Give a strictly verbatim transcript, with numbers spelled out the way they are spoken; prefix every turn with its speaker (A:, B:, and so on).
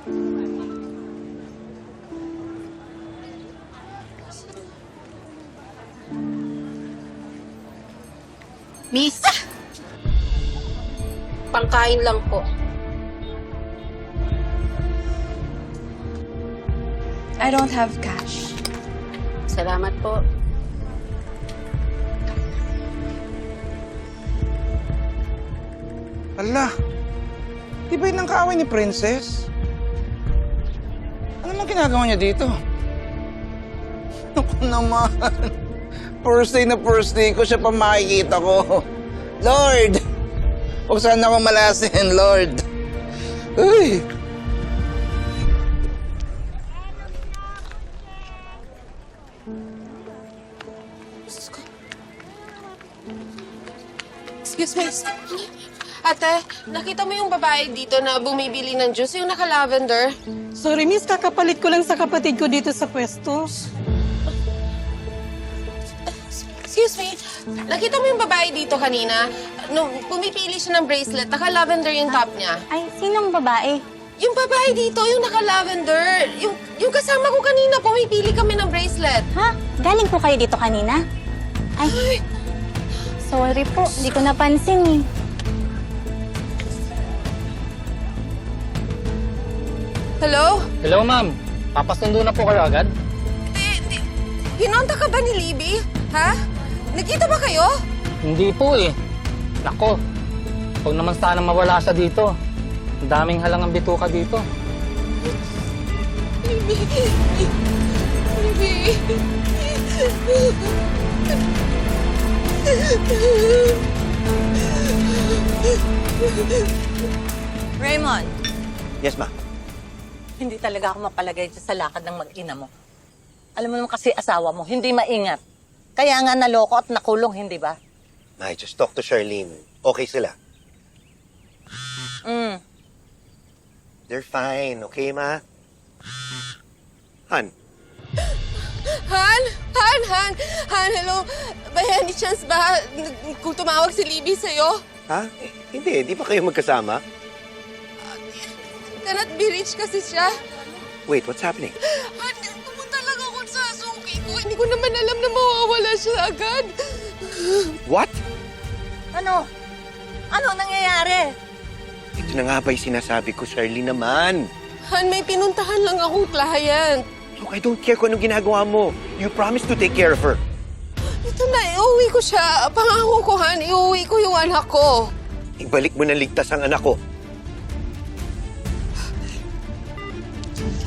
A: Miss! Pangkain lang po.
B: I don't have cash.
A: Salamat po.
C: Ala, di ba yun ang kaaway ni Princess? Ano lang ginagawa niya dito? Naku naman. First day na first day ko, siya pa makikita ko. Lord! Huwag sana ako malasin, Lord. Uy!
A: Excuse me. Ate, nakita mo yung babae dito na bumibili ng juice, yung naka-lavender?
D: Sorry, miss. Kakapalit ko lang sa kapatid ko dito sa pwesto.
A: Excuse me, nakita mo yung babae dito kanina? Nung pumipili siya ng bracelet, naka-lavender yung top niya.
E: Ay, sinong babae?
A: Yung babae dito, yung naka-lavender. Yung, yung kasama ko kanina, pumipili kami ng bracelet.
E: Ha? Galing po kayo dito kanina? Ay, sorry po. Hindi ko napansin eh.
A: Hello?
F: Hello, ma'am. Papasundo na po kayo agad?
A: Di, di, pinonta ka ba ni Libby? Ha? Nakita ba kayo?
F: Hindi po eh. Nako, huwag naman sana mawala siya dito. Ang daming halangang bituka dito.
A: Libby. Libby.
G: Raymond,
C: Yes, ma.
G: hindi talaga ako mapalagay dyan sa lakad ng mag-ina mo. Alam mo naman kasi asawa mo, hindi maingat. Kaya nga naloko at nakulong, hindi ba?
H: I just talk to Charlene. Okay sila.
G: Mm.
H: They're fine, okay, ma? Han,
A: Han? Han? Han? Han, hello? By any chance ba kung tumawag si Libby sa'yo?
H: ha? Eh, hindi, di ba kayo magkasama?
A: Cannot be reached kasi siya.
H: Wait, what's happening?
A: Han, pumunta lang ako sa suki ko. Hindi ko naman alam na mawawala siya agad.
H: What?
G: Ano? Ano nangyayari?
H: Ito na nga ba yung sinasabi ko, Charlene naman?
A: Han, may pinuntahan lang akong client.
H: Look, I don't care kung anong ginagawa mo. You promised to take care of her.
A: Ito na, iuwi ko siya. Pangako ko, Han, iuwi ko yung anak ko.
H: Ibalik mo na ligtas ang anak ko.